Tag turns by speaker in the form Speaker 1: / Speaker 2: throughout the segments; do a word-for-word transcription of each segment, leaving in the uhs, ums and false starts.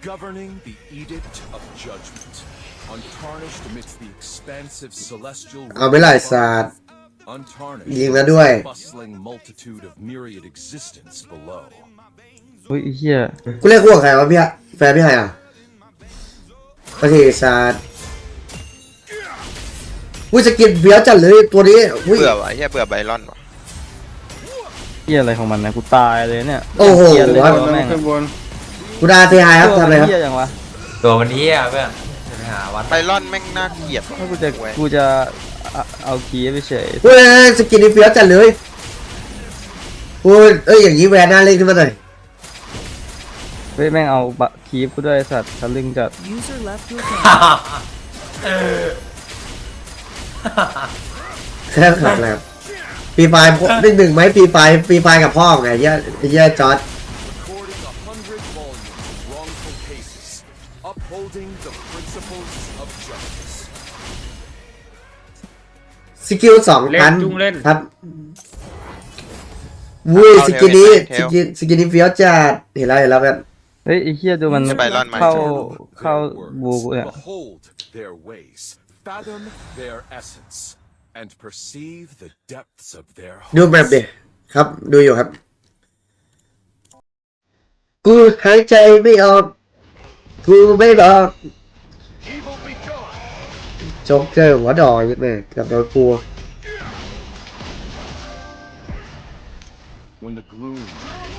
Speaker 1: governing the edict of judgment, untarnished amidst the expansive celestial
Speaker 2: เอาไปไล่ศาสตร์
Speaker 1: untarnished
Speaker 2: ยิงแล้วด้วย
Speaker 1: the bustling multitude of myriad existence below.
Speaker 3: อุ้ยไอ้เหี้ย
Speaker 2: กูเรียกพวกใครวะพี่อะแฟนพี่ใครอ่ะประเทศศาสตร์อุ้ยสกินเบี้ยวจัดเลยตัวนี้อุ้ย
Speaker 4: เบื่อวะไอ้เหี้ยเบื่อไบรอนวะ
Speaker 3: เหี้ยอะไรของมันนะกูตายเลยเนี่ย
Speaker 2: โอ้โห
Speaker 3: เหี้ยเลย
Speaker 2: ครับ
Speaker 3: แม่ง
Speaker 5: ขึ้นบน
Speaker 2: กูดาเซฮายครับทำอะไรครับ
Speaker 3: เหี้ยยังวะ
Speaker 6: ตัวมันนี้อ่ะเพื่อนจะไปหาวัด
Speaker 4: ไบรอนแม่งน่าเกลียดว่ะ
Speaker 3: ถ้ากูจะกูจะเอาเอาคีย์ไปเฉย
Speaker 2: เฮ้ยสกินนี่เบี้ยวจัดเลยโอ้ยเอ้ยอย่างนี้แวนน่าเล่นขึ้นมาหน่อย
Speaker 3: เฮ้ยแม่งเอาบะคีย์กูด้วยไอ้สัตว์ทะลึ่งจัด
Speaker 7: User left your channel.
Speaker 2: แค่ขับแล้วปีไฟหนึ่งหนึ่งไหมปีไฟปีไฟกับพ่อไงเหี้ยเหี้ยจอร์ด
Speaker 1: Recording a hundred volumes of wrongful cases, upholding the principles of justice.
Speaker 2: สกิลสอง
Speaker 5: เล่
Speaker 2: พัน
Speaker 5: นจุงเล่น
Speaker 2: ครับวุ้ยสกินนี้สกินสกินนี้เบี้ยวจัดเห็นแล้วเห็นแล้วแบบ
Speaker 3: เฮ้ยไอ้เหี้ยดูมัน
Speaker 4: ไบรอนไหม
Speaker 3: เข้า
Speaker 1: Their
Speaker 3: เข้าบู
Speaker 1: works,
Speaker 3: กูเนี่ย
Speaker 1: behold their ways, fathom their essence, and perceive the depths of their
Speaker 2: ดูแบบดิครับดูอยู่ครับ กูหายใจไม่ออกกูไม่บอก
Speaker 1: evil be gone.
Speaker 2: โจ๊กเจอหัวดอยแม่กับโดนกลัว
Speaker 1: When the gloom will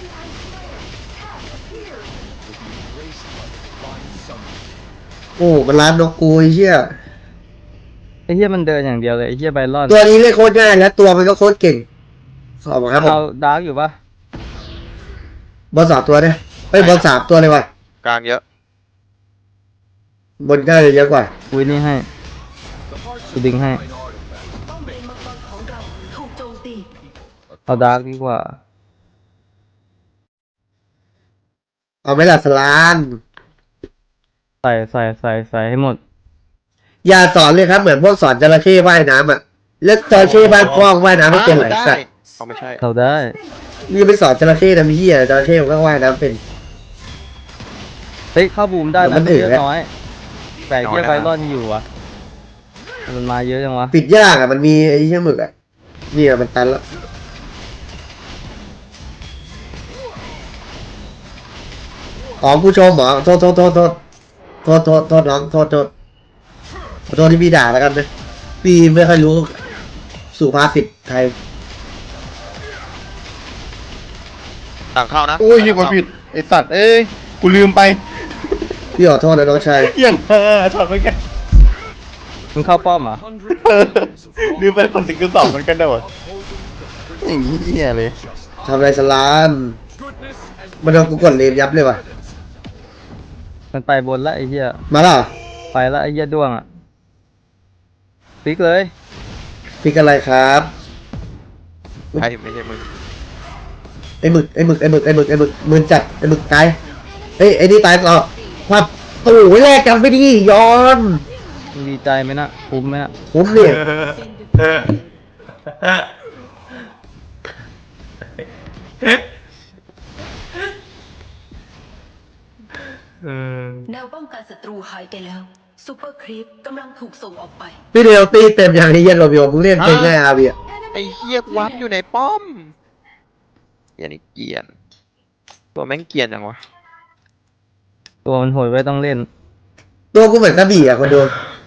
Speaker 1: be embraced by the divine sunlight.
Speaker 2: โอ้มันร้านนกกูไอ้เหี้ย
Speaker 3: ไอ้เหี้ยมันเดินอย่างเดียวเลยไอ้เหี้ยไบรอน
Speaker 2: ตัวนี้เล่นโคตรง่ายแล้วตัวมันก็โคตรเก่งขอบคุณครับผม
Speaker 3: เอาดาร์กอยู่ปะ
Speaker 2: บอลสามตัวเนี่ยเฮ้ยบอลสามตัวเลยว่ะ
Speaker 4: กลางเยอะ
Speaker 2: บนก็เลยเยอะกว่า
Speaker 3: กูนี่ให้
Speaker 1: The hearts
Speaker 3: Tôi định hay.
Speaker 1: of divine artifacts
Speaker 7: ป้อมเลนมังกรของเราถูกโจมตี
Speaker 3: เอาดาร์กดีกว่า
Speaker 2: เอาไหม่ละสลาน
Speaker 3: ใส่ใส่ใส่ใส่ให้หมด
Speaker 2: อย่าสอนเลยครับเหมือนพวกสอนจระเข้ว่ายน้ำอ่ะแล้วจระเข้บ้านกล้องว่ายน้ำไม่เป็นไร
Speaker 4: ได้
Speaker 2: สัตว์
Speaker 4: เอาไม่ใช่
Speaker 3: เราได้
Speaker 2: นี่ไปสอนจระเข้ทำเหี้ยจระเข้มันก็ว่ายน้ำเป็น
Speaker 3: เฮ้ยเข้าบูมได้
Speaker 2: แต่มั
Speaker 3: นะ
Speaker 2: น
Speaker 3: เย
Speaker 2: อื่น
Speaker 3: อะ
Speaker 2: แล้ว
Speaker 3: น้อยแต่เหี้ยไบรอนอยู่วะมันมาเยอะจังวะ
Speaker 2: ปิดยากอ่ะมันมีไอ้เหี้ยหมึกอ่ะนี่อ่ะมันตันแล้วอ๋อผู้ชมเหรอโทษโทษโทษโทษโทษโทษโทษน้องโทษโทษขอโทษที่พี่ด่าแล้วกันนะพี่ไม่ค่อยรู้สุภาษิตไทย
Speaker 4: ต่างเข้านะ
Speaker 5: อุ้ยยิงกดผิดไอสัตว์เอ้ยกูลืมไป
Speaker 2: พี่ขอโทษนะน้องชาย
Speaker 5: เหี้ยังเออถอดเหมือนกัน
Speaker 3: มึงเข้าป้อมเหรอ
Speaker 1: hundred
Speaker 5: เออ
Speaker 1: volumes of
Speaker 5: ลืมไปคนสิงคือสองเหมือนกันเด้อ
Speaker 1: upholding the
Speaker 5: อย่างนี้เหี้ยเลย
Speaker 2: ทำไรสลาน
Speaker 1: goodness and
Speaker 2: มันโดนกูกดเลนยับเลยว่ะ
Speaker 3: มันไปบนละไอ้เหี้ย
Speaker 2: มาแล้วเหรอ
Speaker 3: ไปละไอ้เหี้ยด้วงอ่ะปิกเลย
Speaker 2: พี่กันอะไรครับ
Speaker 4: ใช่ไม่ใช่มึง
Speaker 2: ไอ้หมึกไอ้หมึกไอ้หมึกไอ้หมึกไอ้หมึกมือจัดไอ้หมึกตายเฮ้ยไอ้นี่ตายต่อความโอ้ยแรกกันไม่ดีย้อน
Speaker 3: มึงดีใจไหมนะคุ้มไหมนะ
Speaker 2: ผมเนี่ย
Speaker 7: แนวป้องกันศัตรูหายไปแล้วซูเปอร์ครีปกำลังถูกส่งออกไป
Speaker 2: พี่เดียวตีเต็มอย่างนี้เย็นโรบิโอมึงเล่นเป็นไงอาเบีย
Speaker 4: ไอ้เหี้ยวัดอยู่ในป้อมเกลียนอีกเกลียนตัวแม่งเกลียนจังวะ
Speaker 3: ตัวมันโหดไว้ต้องเล่น
Speaker 2: ตัวกูเหมือนกระบี่อ่ะคนดู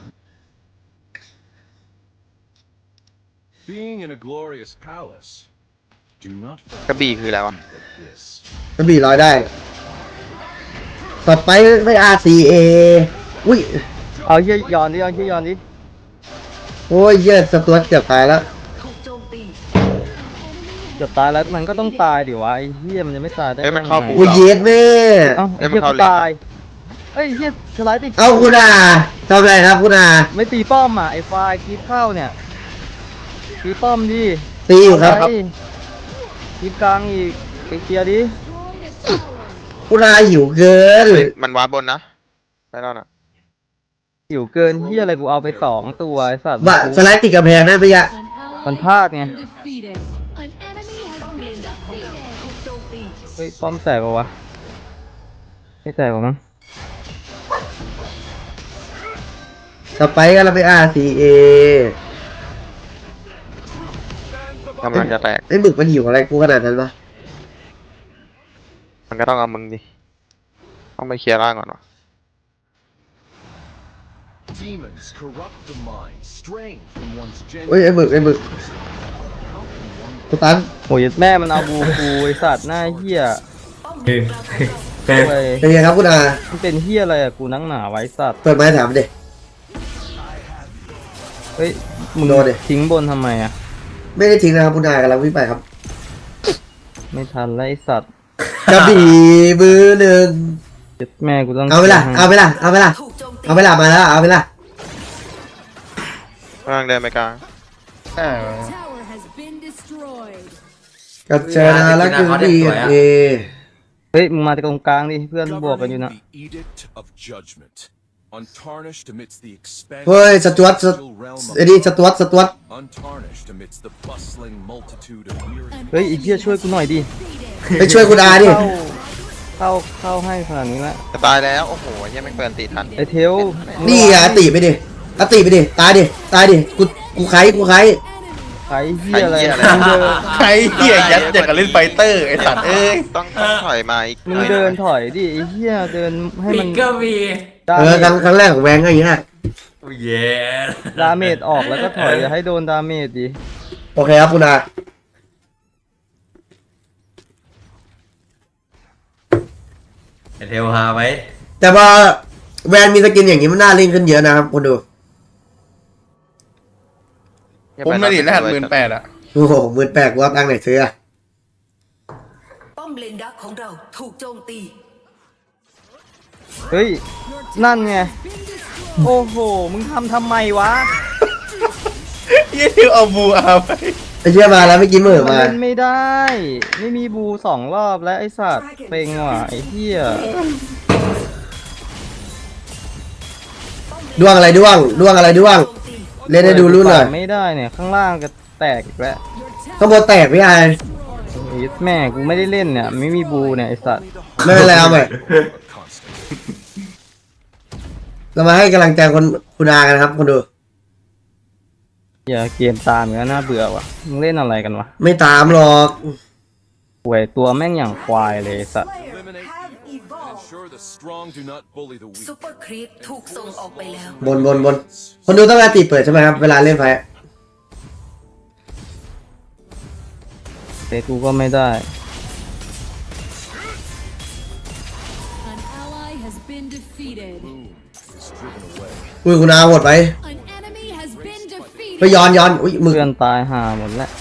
Speaker 1: being in a glorious palace. Do not
Speaker 4: กระบี่คืออะไรวะ
Speaker 1: forget this.
Speaker 2: กระบี่ลอยได้ต่อไปไม่ อาร์ ซี เอ อุ้ย
Speaker 3: เอาเหี้ยย้อนดิเอาเหี้ยย้อนดิ
Speaker 2: โอ้ยเหี้ยสตวตเกือบตายแล้ว
Speaker 7: ถูกโจมตี
Speaker 3: เกือบตายแล้วมันก็ต้องตายดิวะไอ้เหี้ยมันจะไม่ตายได้
Speaker 4: เอ้ยมันเข้า
Speaker 3: ไง
Speaker 4: บู
Speaker 2: อุ้ยเย็ดแม่
Speaker 3: เอ้าไอ้เหี้ยกูตายเอ้ยเหี้ยสไลด์ติด
Speaker 2: เอาคุณอาทำไรครับคุณอา
Speaker 3: ไม่ตีป้อมอ่ะไอ้ไฟล์คลิปเข้าเนี่ยตีป้อมดิ
Speaker 2: ตีอยู่ครับ
Speaker 3: เอาไว้คลิปกลางอีกไปเคลียร์ดิ
Speaker 2: คุณอาหิวเกิน
Speaker 4: เฮ้ยมันวาร์ปบนนะไบรอนอ่ะ
Speaker 3: หิวเกินเหี้ยอะไรกูเอาไปสองตัวไอ้สัตว์
Speaker 2: ว่าสไลด์ติดกำแพงนั่นไปยะ
Speaker 3: มันพลาดไง
Speaker 7: ป้อมเลนดักของเราถูกโจมตี
Speaker 3: เฮ้ยป้อมแตกปะวะไม่แตกหรอมั้ง
Speaker 2: สไปค์กันเราไป อาร์ ซี เอ
Speaker 4: กำลังจะแตก
Speaker 2: ไอ้หมึกมันหิวอะไรกูขนาดนั้นปะ
Speaker 4: มันก็ต้องเอามึงดิ ต้องไปเคลียร์ร่างก่อนวะ
Speaker 1: Demons corrupt the mind, straying from one's
Speaker 2: เฮ้ย
Speaker 1: genuine.
Speaker 2: ไอ้หมึกไอ้หมึกกูตัน
Speaker 3: โหยแม่มันเอาบูกูไอสัตว์หน้าเหี้ย
Speaker 6: เฮ้ย
Speaker 3: เว้ย
Speaker 2: เป็นไงครับคุณอา
Speaker 3: มันเป็นเหี้ยอะไรอะกูนั่งหนาไว้สัตว์
Speaker 2: เปิดไม้ถามดิ
Speaker 3: เฮ้ยมึง
Speaker 2: โดนดิ
Speaker 3: ทิ้งบนทำไมอะ
Speaker 2: ไม่ได้ทิ้งนะครับคุณอากำลังวิ่งไปครับ
Speaker 3: ไม่ทันแล้วไอสัตว์
Speaker 2: กระบี่มือหนึ่ง
Speaker 3: เจ็ดแม่กูต้อง
Speaker 2: เอาไปละเอาไปละเอาไปละ
Speaker 7: ถูกโจมตี
Speaker 2: เอาไปละมาแล้วเอาไปละ
Speaker 4: ร่างเดินไปกลาง
Speaker 5: อ่า
Speaker 8: Tower has been destroyed.
Speaker 2: กับเจอนะแล้วคือดีเอ
Speaker 3: เฮ้ยมึงมาตรงกลางดิเพื่อนบวกกันอยู่
Speaker 1: Governing
Speaker 3: นะ
Speaker 1: the edict of judgment, untarnished amidst the expansion
Speaker 2: เฮ้ยสจวตส
Speaker 1: of the realm
Speaker 2: ไอ้นี่ส
Speaker 1: of
Speaker 2: จวตสจวต
Speaker 1: untarnished amidst the bustling multitude of weary
Speaker 3: เฮ้ยไอ้เหี้ยช่วยกูหน่อยดิ
Speaker 2: ไปช่วยคุณอาดิ
Speaker 3: เข้าเข้าเข้าให้ขนาดนี้แล้ว
Speaker 4: จะตายแล้ว โอ้โหยังไม่เปิดตีทัน
Speaker 3: ไอเทล
Speaker 2: นี่อ่ะตีไปดิอะตีไปดิตายดิตายดิกูกูไขกูไข
Speaker 3: ไอ้เหี้ยอะไร
Speaker 4: ไอ้เหี้ยอะไร
Speaker 3: มึงเดิน
Speaker 5: ใครเหี้ยยัดอย่างกับเล่นไฟเตอร์ไอ้สัตว์เอ้ย
Speaker 4: ต้องต้องถอยมาอีก
Speaker 3: มึงเดินถอยดิไอ้เหี้ยเดินให้
Speaker 6: ปิ
Speaker 3: มัน
Speaker 6: กก็มี
Speaker 3: ดา
Speaker 2: เอ
Speaker 3: เม
Speaker 2: อครั้ง
Speaker 3: จ
Speaker 2: ครั้งแรกของแวงก็อย่างเงี้ย
Speaker 6: เย้
Speaker 3: ดาเมจออกแล้วก็ถอยอย่าให้โดนดาเมจดิ
Speaker 2: โอเคครับคุณอา
Speaker 6: ไอเทลฮาไว้
Speaker 2: แต่ว่าแวนมีสกินอย่างนี้มันน่าเล่นขึ้นเยอะนะครับคุณดู
Speaker 5: ผมไม่ได้รหัสหมื่นแปดอะ
Speaker 2: โอ้โหหมื่นแปดกูว่าตังค์ไหนซื้ออะ
Speaker 7: ป้อมเลนดักของเราถูกโจมตี
Speaker 3: เฮ้ยนั่นไงโอ้โหมึงทำทำไมวะ
Speaker 5: ยี่ที่เอาบูอาไป
Speaker 2: ไอ้เชี่ยมาแล้วไม่กินมือ
Speaker 3: มัน
Speaker 2: มา
Speaker 3: เล่นไม่ได้ ไม่มีบูสองรอบแล้วไอสัตว์เป่งว่ะไอเหี้ย
Speaker 2: ด้วงอะไรด้วงด้วงอะไรด้วง
Speaker 7: โจมตี
Speaker 2: เล่นให้ดูรุ่นหน่อย
Speaker 3: ไม่ได้เนี่ยข้างล่างก็แตกอีกแล้ว
Speaker 2: ข้างบนแตกพี่ไอ
Speaker 3: ไอ้แม่กูไม่ได้เล่นเนี่ยไม่มีบูเนี่ยไอสัตว์
Speaker 2: ไม่เป็นไรเอาใหม่
Speaker 1: constant.
Speaker 2: เรามาให้กำลังใจคนคุณอากันครับคนดู
Speaker 3: อย่าเกมตามอย่างนั้นน่าเบื่อว่ะมึงเล่นอะไรกันวะ
Speaker 2: ไม่ตามหรอก
Speaker 3: ป่วยตัวแม่งอย่างควายเลยไอ้สัตว์
Speaker 1: Eliminate and ensure the strong do not bully the weak.
Speaker 7: ซูเปอร์ครีปถูกส่งออกไปแล้ว
Speaker 2: บนบนบนคนดูต้องการตีเปิดใช่ไหมครับ เวลาเล่นไฟ
Speaker 3: แต่กูก็ไม่ได้
Speaker 8: An ally has been defeated.
Speaker 1: Is driven away.
Speaker 2: อุ้ยคุณอาโหดไป
Speaker 8: An enemy has been
Speaker 2: ไป
Speaker 8: defeated.
Speaker 2: ย้อนย้อนอุ้ยมือ
Speaker 3: เพื่อนตายห่าหมดแล้ว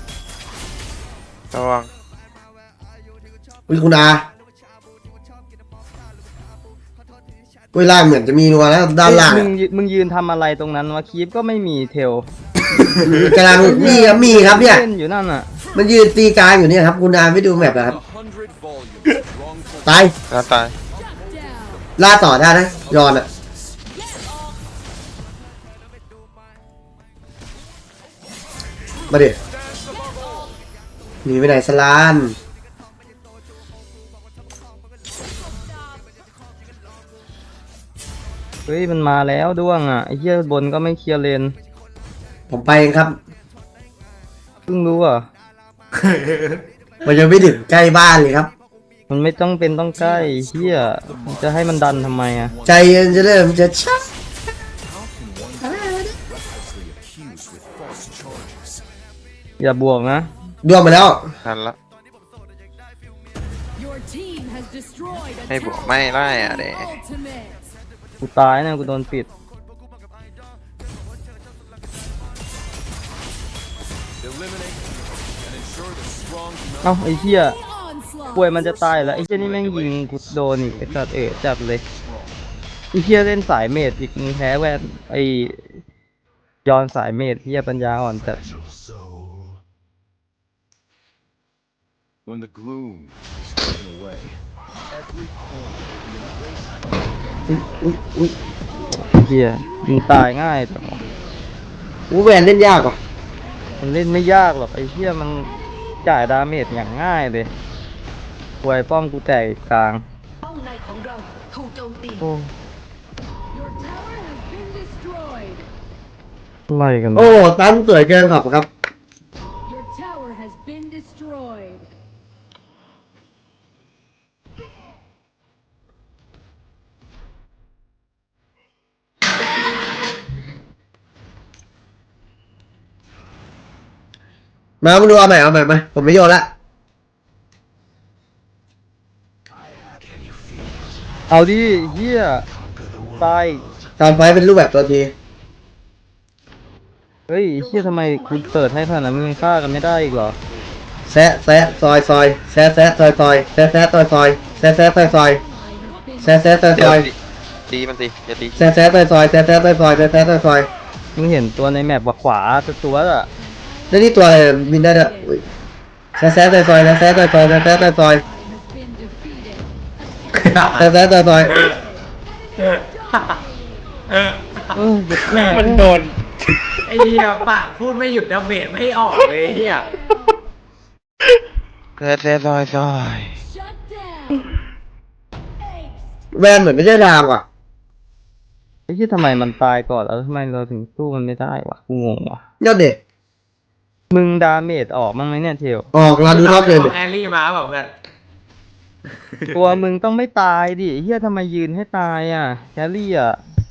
Speaker 4: ระวัง
Speaker 2: อุ้ยคุณอาอุ้ยล่างเหมือนจะมีนัวแล้วด้านล่าง
Speaker 3: มึงยืมึงยืนทำอะไรตรงนั้นวะคีปก็ไม่มีเทล
Speaker 2: กำลังมีครับมีครับเนี่ย
Speaker 3: เล่นอยู่นั่นอ่ะ
Speaker 2: มันยืนตีกลางอยู่เนี่ยครับคุณอาไม่ดูแมปเหรอครับ
Speaker 1: A hundred volumes of wrongful
Speaker 2: ตาย
Speaker 4: แล้วตาย
Speaker 8: Down.
Speaker 2: ล่าต่อได้นะย้อนอะมาดิหนีไปไหนสลาน
Speaker 3: เฮ้ยมันมาแล้วด้วงอ่ะไอ้เหี้ยบนก็ไม่เคลียร์เลน
Speaker 2: ผมไปเองครับ
Speaker 3: เพิ่งรู้อ่ะ
Speaker 2: มันยังไม่ถึงใกล้บ้านเลยครับ
Speaker 3: มันไม่ต้องเป็นต้องใกล้ไอ้เหี้ยมันจะให้มันดันทำไมอ่ะ
Speaker 2: ใจเย็นจะเริ่มจะชัก
Speaker 1: recklessly accused with false charges.
Speaker 3: อย่าบวกนะ
Speaker 2: ดวงมาแล้ว
Speaker 4: ทันละ
Speaker 8: Your team has destroyed a
Speaker 4: ไม่บวก
Speaker 8: tower.
Speaker 4: ไม่ได้อะเด็
Speaker 8: Ultimate.
Speaker 3: กูตายนะกูโดนปิด
Speaker 1: Eliminate and ensure the strong do not
Speaker 3: เอ้าไอ้เหี้ย
Speaker 8: Onslaught.
Speaker 3: ป่วยมันจะตายแล้วไอ้เหี้ยนี่แม่งยิงกูโดนอีกไอ้สัตว์เอ๋จัดเลยไอ้เหี้ยเล่นสายเมดอีกมึงแพ้แวนไอ้ยอนสายเมดเหี้ยปัญญาอ่อนจัด
Speaker 1: When the gloom is taken away, every corner will be embraced
Speaker 2: อุ้ยอุ้ย
Speaker 3: ไอ้เหี้ยมึงตายง่ายจังวะ
Speaker 2: อู้แวนเล่นยากว่ะ
Speaker 3: มันเล่นไม่ยากหรอกไอ้เหี้ยมันจ่ายดาเมจอย่างง่ายเลยป่วยป้อมกูแตกอีกกลาง
Speaker 7: ป้อมในของเราถูกโจมตี
Speaker 3: โอ้
Speaker 8: Your tower has been destroyed.
Speaker 3: อะไรกัน
Speaker 2: โอ้ตั้งสวยเกินขอบครับ
Speaker 8: Your tower has been destroyed.
Speaker 2: มามาดูเอาใหม่เอาใหม่มาผมไม่โยนละ
Speaker 3: เอาดิเฮียตาย
Speaker 2: ตอนไฟเป็นรูปแบบตัวที
Speaker 3: เฮ้ยเฮียทำไมคุณเปิดให้ขนาดนั้นมึงฆ่ากันไม่ได้อีกเหรอ
Speaker 2: แซะแซะซอยซอยแซะแซะซอยซอยแซะแซะซอยซอยแซะแซะซอยซอยแซะแซะซอยซ
Speaker 4: เดี๋ยว
Speaker 2: อย
Speaker 4: ตีตีมันสิอย่าตี
Speaker 2: แซะแซะซอยซอยแซะแซะซอยซอยแซะแซะซอยซอย
Speaker 3: มึงเห็นตัวในแมปว่าขวาตัวอะ
Speaker 2: แล้วนี่ตัวอะไรบินได้ด้วยอุ๊ยแซะแซะซอยซอยแซะแซะซอยซอยแซะแซะซอยซอย
Speaker 8: Has been defeated.
Speaker 2: แซะแซะซอยซอย
Speaker 3: เออเด็กแม่
Speaker 5: มันโดน ไอ้เหี้ยปากพูดไม่หยุดดาเมจไม่ออกเลยเหี้ย
Speaker 4: แซ่แซ่ซอยซอย
Speaker 8: Shut down. Ace.
Speaker 2: แวนเหมือนไม่ใช่ดามว่ะ
Speaker 3: ไอ้ที่ทำไมมันตายก่อนแล้วทำไมเราถึงสู้มันไม่ได้วะกูงงวะ
Speaker 2: ยอดเด็ก
Speaker 3: มึงดาเมจออกมั้งไหมเนี่ยเทล
Speaker 2: ออกเราดูท็อปเลยดิ
Speaker 5: แอรี่มาแบบเพื่อน
Speaker 3: ตัวมึงต้องไม่ตายดิเฮียทำไมยืนให้ตายอ่ะแครี่อ่ะ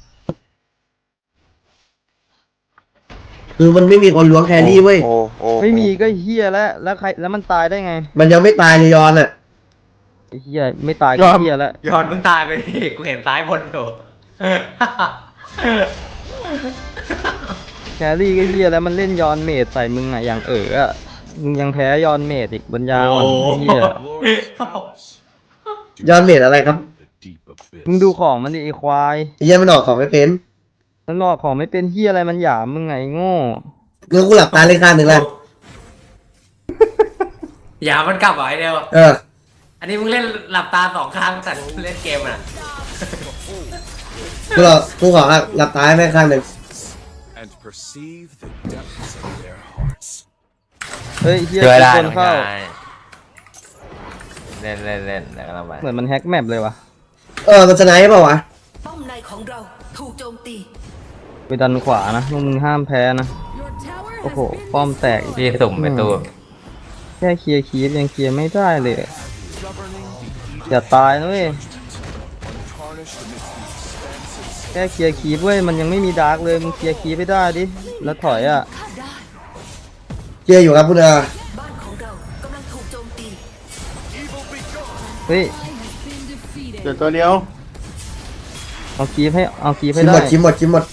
Speaker 2: คือมันไม่มีคนล้วงแครี่เว้ย
Speaker 4: โอ้โอ้
Speaker 3: ไม่มีก็เฮียแล้วแล้วใครแล้วมันตายได้ไง
Speaker 2: มันยังไม่ตายเลยยอนอ่ะ
Speaker 3: ไอ้เฮียไม่ตายก็เฮียแล้ว
Speaker 5: ย้อนมึงตายไปดิกูเห็นซ้ายบนอยู่
Speaker 3: แครี่ก็เฮียแล้วมันเล่นยอนเมดใส่มึงอ่ะอย่างเอออ่ะมึงยังแพ้ยอนเมดอีกบนยาวอ่ะเฮีย
Speaker 2: ยอนเมดอะไรครับ
Speaker 1: The deep abyss.
Speaker 3: มึงดูของมันดิไอควาย
Speaker 2: ไอ้เหี้ยมันออกของไม่เป็น
Speaker 3: มันหลอกของไม่เป็นเฮียอะไรมันหยามมึงไงโง่
Speaker 2: งั้นกูหลับตาเล่นข้างหนึ่งแล้ว
Speaker 5: อย่ามันกลับเหรอไอเดียว
Speaker 2: เออ
Speaker 5: อันนี้มึงเล่นหลับตาสองข้างแต่เล่นเกมอ่ะ
Speaker 2: กูหลับกูขอหลับตาให้แม่งข้างหนึ่ง
Speaker 1: And perceive the depths of their hearts.
Speaker 3: เฮ้ยเฮีย
Speaker 6: ช่วยได้
Speaker 3: คน
Speaker 6: น้อง
Speaker 3: เข้า
Speaker 6: ชายเล่นเล่นเล่นแล้วเราไป
Speaker 3: เหมือนมันแฮกแมปเลยวะ
Speaker 2: เออมันสไนป์เปล่าวะ
Speaker 7: ป้อมในของเราถูกโจมตี
Speaker 3: ไปดันขวานะพวกมึงห้ามแพ้นะ
Speaker 8: Your tower
Speaker 3: โอ้
Speaker 8: has
Speaker 3: โห
Speaker 8: been
Speaker 3: ป้อมแตกอีก
Speaker 6: พี่สุ่มไปตู้
Speaker 3: แค่เคลียร์คีฟยังเคลียร์ไม่ได้เลย อย่าตายนะเว้ย
Speaker 1: Untarnished amidst the expansive
Speaker 3: แค่เคลียร์คีฟเว้ยมันยังไม่มีดาร์กเลยมึงเคลียร์คีฟไม่ได้ดิแล้วถอยอ่ะ
Speaker 7: ข้าได้
Speaker 2: เจออยู่ครับคุณอา
Speaker 7: บ้านของเรากำลังถูกโจมตี
Speaker 3: เฮ้ย
Speaker 8: has been defeated.
Speaker 5: เดี๋ยวตัวเดียว
Speaker 3: เอาคีฟให้เอาคีฟให้
Speaker 2: ชิมหม
Speaker 3: ได้
Speaker 2: ดชิมหมดชิมหมด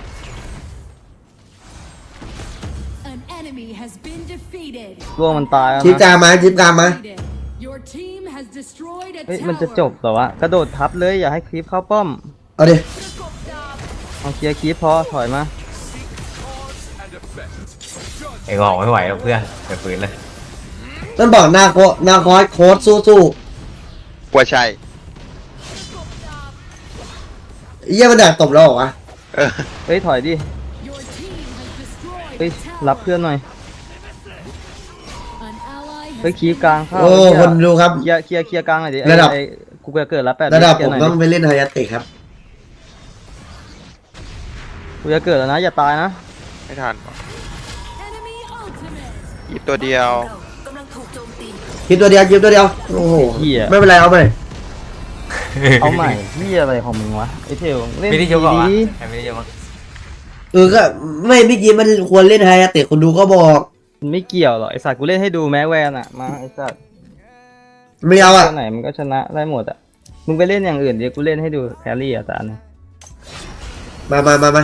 Speaker 8: An enemy has been defeated.
Speaker 3: ร่วงมันตายแล้ว
Speaker 2: ชิปกลา
Speaker 3: นะ
Speaker 2: งมาชิปกลางมา
Speaker 8: Defeated. Your team has destroyed a
Speaker 3: เฮ้ย
Speaker 8: tower.
Speaker 3: มันจะจบเหรอวะกระโดดทับเลยอย่าให้คีฟเข้าป้อม
Speaker 2: เอาดิ
Speaker 3: เอาเคลียร์คีฟพอถอยมา
Speaker 6: ไอ้งอกไม่ไหวแล้วเพื่อนไปฝืนเลย
Speaker 2: มันบอกหน้าโคหน้าคอยโค้ดสู้สู้
Speaker 4: กลัวใช่
Speaker 2: ไอ้เหี้ยมันดักตบเราเหรอวะ
Speaker 4: เออ
Speaker 3: เฮ้ยถอยดิ
Speaker 8: Your team has destroyed
Speaker 3: เฮ้ย
Speaker 8: a tower.
Speaker 3: รับเพื่อนหน่อย
Speaker 8: An ally
Speaker 3: เฮ้ย
Speaker 8: has
Speaker 3: คีฟ
Speaker 8: been
Speaker 3: กลางเข้า
Speaker 2: โอ้คนดูครับ
Speaker 3: เคลียร์เคลียร์เคลียร์กลางหน่อยดิไอ้
Speaker 2: ระดับ
Speaker 3: ไอ้กูจะเกิดแล้วแปด
Speaker 2: ระดับ
Speaker 3: เคลี
Speaker 2: ผ
Speaker 3: ย
Speaker 2: ม
Speaker 3: หน่ย
Speaker 2: ต้องไปเล่นไฮยาเตะครับ
Speaker 3: กูจะเกิดแล้วนะอย่าตายนะ
Speaker 4: ไม่ทัน
Speaker 8: enemy ultimate.
Speaker 4: หยิบตัวเดียว
Speaker 7: กำลังถูกโจมตี
Speaker 2: คลิปตัวเดียวคลิปตัวเดียว โอ้โห
Speaker 3: เหี้ย
Speaker 2: ไม่เป็นไรเอาไป
Speaker 3: เอาใหม่ที่อะไรของมึงวะไอ้เทลเล่น
Speaker 6: ไม่ได้ยกหรอวะ
Speaker 3: ดี
Speaker 6: ใครไม่ได้ยกมั้ง
Speaker 2: เออก็ไม่เมื่อกี้มันควรเล่นไฮยาเตะคนดูก็บอก
Speaker 3: ๆมันไม่เกี่ยวหรอกไอ้สัตว์กูเล่นให้ดูแม้แวนอะมาไอ้สัตว์
Speaker 2: ไม่เอาอ่ะ
Speaker 3: ตัวไหนมันก็ชนะได้หมดอะมึงไปเล่นอย่างอื่นเดี๋ยวกูเล่นให้ดูแครี่อะตาเนี่ย
Speaker 2: มามามามา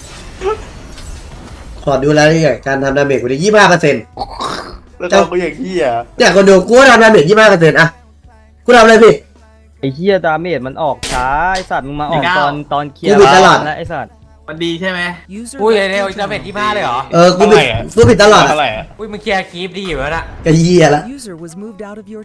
Speaker 2: ขอดูรายละเอียดการทำดาเมจกูได้ยี่สิบห้าเปอร์เซ็นต์
Speaker 5: แล้วก็กูอย่างเหี้ย
Speaker 2: เนี่ยคนดูกูก็ทำดาเมจยี่สิบห้าเปอร์เซ็นต์อะกูทำอะไรพี่
Speaker 3: ไอ้เฮียดาเมจมันออกช้าไอ้สัตว์มึงมาออกตอนตอนเคลีย
Speaker 2: กู
Speaker 3: ร์
Speaker 2: บิดตลอด
Speaker 3: แล้วไอ้สัตว์
Speaker 5: มันดีใช่ไหม
Speaker 6: อุ้
Speaker 5: อุ้
Speaker 6: ย
Speaker 5: ย
Speaker 6: เร็วจะเป็นที่บ้าเลยเหรอ
Speaker 2: เออกูบิดกูบิดตลอดอะ
Speaker 5: เท่าไหร่อะ
Speaker 6: อุ้ยมึงเคลียร์คลิปดีอยู่แล้วน่ะ
Speaker 2: ก็เยี่ยละ
Speaker 9: User was moved out of your